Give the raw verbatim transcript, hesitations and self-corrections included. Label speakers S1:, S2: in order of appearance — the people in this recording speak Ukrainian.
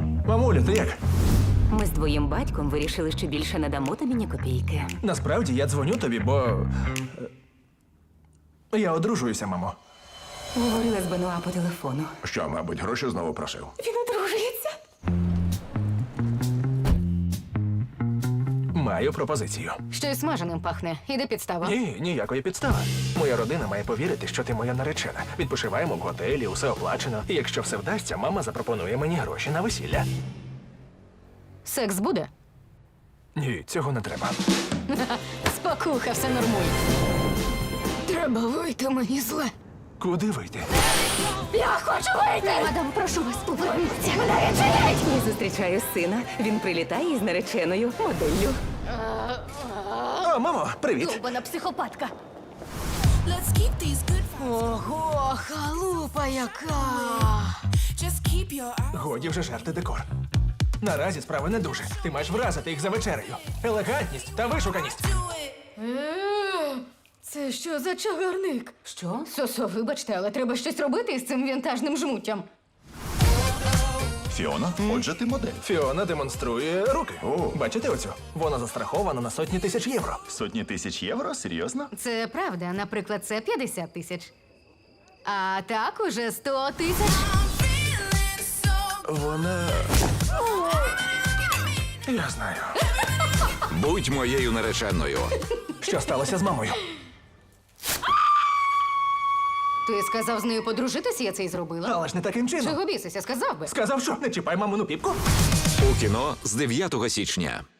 S1: Мамуля, ти як?
S2: Ми з твоїм батьком вирішили, що більше не дамо тобі ні копійки.
S1: Насправді я дзвоню тобі, бо. е, Я одружуюся, мамо.
S2: Говорила з Бенуа по телефону.
S3: Що, мабуть, гроші знову просив?
S2: Він одружується.
S1: Маю пропозицію.
S4: Щось смаженим пахне. Іде підстава.
S1: Ні, ніякої підстави. Моя родина має повірити, що ти моя наречена. Відпочиваємо в готелі, усе оплачено. І якщо все вдасться, мама запропонує мені гроші на весілля.
S4: Секс буде?
S1: Ні, цього не треба.
S4: Спокуха, все нормуй. Треба вийти, мені зле.
S1: Куди вийти?
S4: Я хочу вийти! Мадам, прошу вас, поверніться. Мене відчиніть!
S2: Я зустрічаю сина. Він прилітає із нареченою моделлю.
S1: О, мамо, привіт!
S4: Довбана психопатка.
S5: Let's keep these good vibes.
S4: Ого, халупа яка!
S5: Just keep your eyes.
S1: Годі вже жерти декор. Наразі справи не дуже. Ти маєш вразити їх за вечерею. Елегантність та вишуканість.
S5: Do it.
S4: Е, Це що за чагарник?
S2: Що?
S4: Сосо, вибачте, але треба щось робити із цим вінтажним жмуттям.
S3: Фіона, отже, ти модель.
S1: Фіона демонструє руки.
S3: О.
S1: Бачите оцю? Вона застрахована на сотні тисяч євро.
S3: Сотні тисяч євро? Серйозно?
S4: Це правда, наприклад, це п'ятдесят тисяч. А так уже сто тисяч.
S5: I'm feeling so.
S1: Вона. Я знаю.
S6: Будь моєю нареченою.
S1: Що сталося з мамою?
S4: Ти сказав з нею подружитися, я це й зробила.
S1: Але ж не таким чином.
S4: Чого бісися, сказав би.
S1: Сказав, що не чіпай мамину піпку.
S6: У кіно з дев'ятого січня.